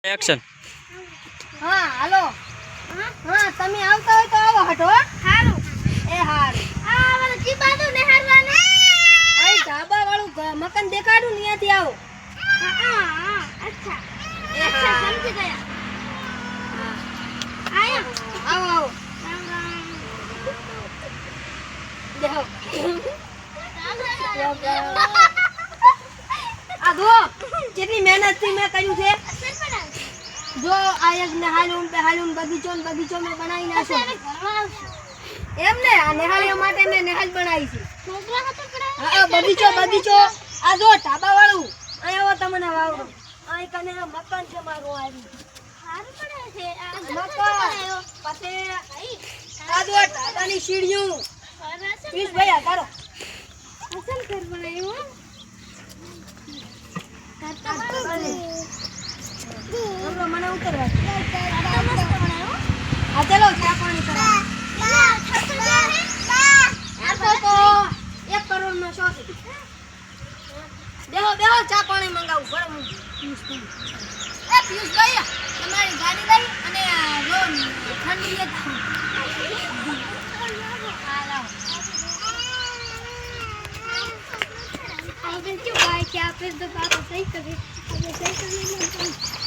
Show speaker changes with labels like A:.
A: Action.
B: હા હાલો. હા તમે આવતા હોય તો આવો હટો. હારું. એ હારું. આ વાળો કી બાજુ નેહારવાને. આ ધાબા વાળું મકાન દેખાડું ને ત્યાંથી આવો. હા અચ્છા. એ અચ્છા સમજી ગયા. હા આયો. આવો આવો. દેખો. આ દો કેટલી મહેનત થી મેં કર્યું છે. જો આ એક નેહાલુન બગીચો ને મેં બનાવી નાખ્યો. એમ ને આ નેહાલીઓ માટે મેં નેહાલ બનાવી છે. હા બગીચો આ જો ઢાબા વાળું અહીં આવો તમને વાવડો. અહીં કને મકાન છે મારું આવી. સારું પડે છે આ મકાન. પછી આ જો ઢાબાની સીડીઓ. પ્લીઝ ભાઈ આ કરો. અસલ ઘર બનાવ્યું. મને ઉતરવા હા ચલો ચા પાણી કરવા. 1 કરોડ નો શોખ. બેહો ચા પાણી મંગાવું બરાબર. પિયુષભાઈ તમારી ગાડી લઈ અને લોન ઠંડી લેતા क्यों भाई क्या फिर दोबारा सही करें